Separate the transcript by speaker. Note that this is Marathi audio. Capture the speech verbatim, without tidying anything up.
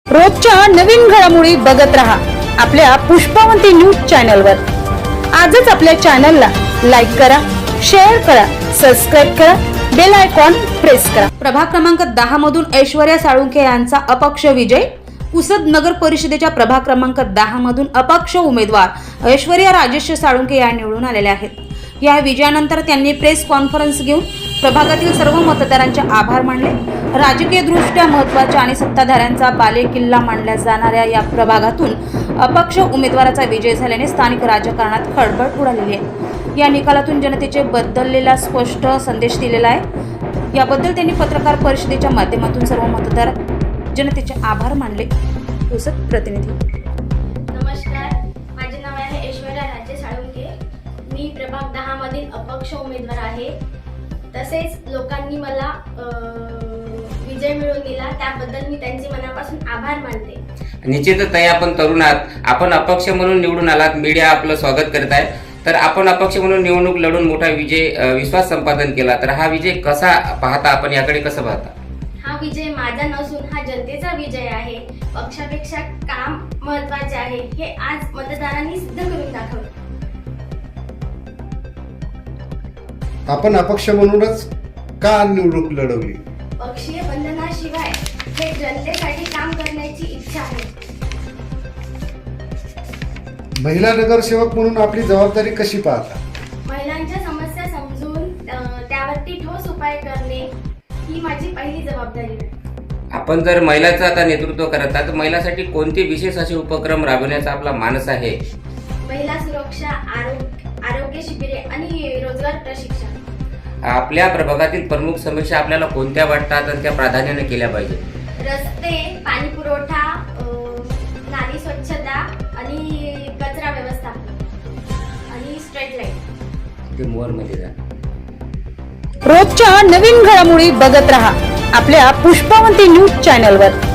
Speaker 1: रोजच्या नवीन घडामोडी बघत रहा आपल्या पुष्पावंती न्यूज चॅनलवर। आजच आपल्या चॅनलला लाईक करा, शेअर करा, सबस्क्राइब करा, बेल आयकॉन प्रेस करा। प्रभाग क्रमांक दहा मधून ऐश्वर्या साळुंखे यांचा अपक्ष विजय। पुसद नगर परिषदेच्या प्रभाग क्रमांक दहा मधून अपक्ष उमेदवार ऐश्वर्या राजेश साळुंखे या निवडून आलेल्या आहेत। या विजयानंतर त्यांनी प्रेस कॉन्फरन्स घेऊन प्रभागातील सर्व मतदारांचे आभार मानले। राजकीय दृष्ट्या महत्त्वाच्या आणि सत्ताधाऱ्यांचा बालेकिल्ला मानल्या जाणाऱ्या या प्रभागातून अपक्ष उमेदवाराचा विजय झाल्याने स्थानिक राजकारणात खळबळ उडालेली आहे। या निकालातून जनतेचे बदललेला स्पष्ट संदेश दिलेला आहे। याबद्दल त्यांनी पत्रकार परिषदेच्या माध्यमातून सर्व मतदार जनतेचे आभार मानले। पुसद प्रतिनिधी।
Speaker 2: नमस्कार, माझे नाव आहे ऐश्वर्या राजेश साळुंखे। मी प्रभाग दहा मधील अपक्ष उमेदवार आहे। तसेच लोकांनी मला विजय मिळवून दिला, त्याबद्दल मी त्यांचे मनापासून आभार मानते।
Speaker 3: निश्चितच ताई, आपण तरुण आहात, आपण अपक्ष म्हणून निवडून आलात, मीडिया आपलं स्वागत करत आहे। तर आपण अपक्ष म्हणून निवडणूक लढून मोठा विजय विश्वास संपादन केला, तर हा विजय कसा पाहता, आपण याकडे कसं पाहता?
Speaker 2: हा विजय माझा नसून हा जनतेचा विजय आहे। पक्षापेक्षा काम महत्त्वाचे आहे, हे आज मतदारांनी सिद्ध करून दाखवले।
Speaker 4: आपण अपक्ष म्हणूनच का निवडणूक लढवली?
Speaker 2: पक्षीय बंधनाशिवाय हे जनतेसाठी काम करण्याची इच्छा आहे।
Speaker 4: महिला नगरसेवक म्हणून आपली जबाबदारी कशी पाहता?
Speaker 2: महिलांच्या समस्या समजून त्यावरती ठोस उपाय करणे ही माझी पहिली जबाबदारी आहे।
Speaker 3: आपण जर महिलांचं आता नेतृत्व करत आहात, तर महिलांसाठी कोणते विशेष असे उपक्रम राबवण्याचा आपला मानस आहे?
Speaker 2: महिला सुरक्षा, आरोग्य आरोग्य शिबिरे आणि रोजगार प्रशिक्षण।
Speaker 3: आपल्या प्रभागातील प्रमुख समस्या आपल्याला कोणत्या वाटतात आणि त्या प्राधान्याने केल्या पाहिजे?
Speaker 2: रस्ते, पाणी पुरवठा, नाली स्वच्छता आणि कचरा व्यवस्थापन आणि स्ट्रीट लाईट।
Speaker 3: ते मोर मध्ये जा।
Speaker 1: रोजच्या नवीन घडामोडी बघत रहा आपल्या पुष्पावंती न्यूज चॅनलवर।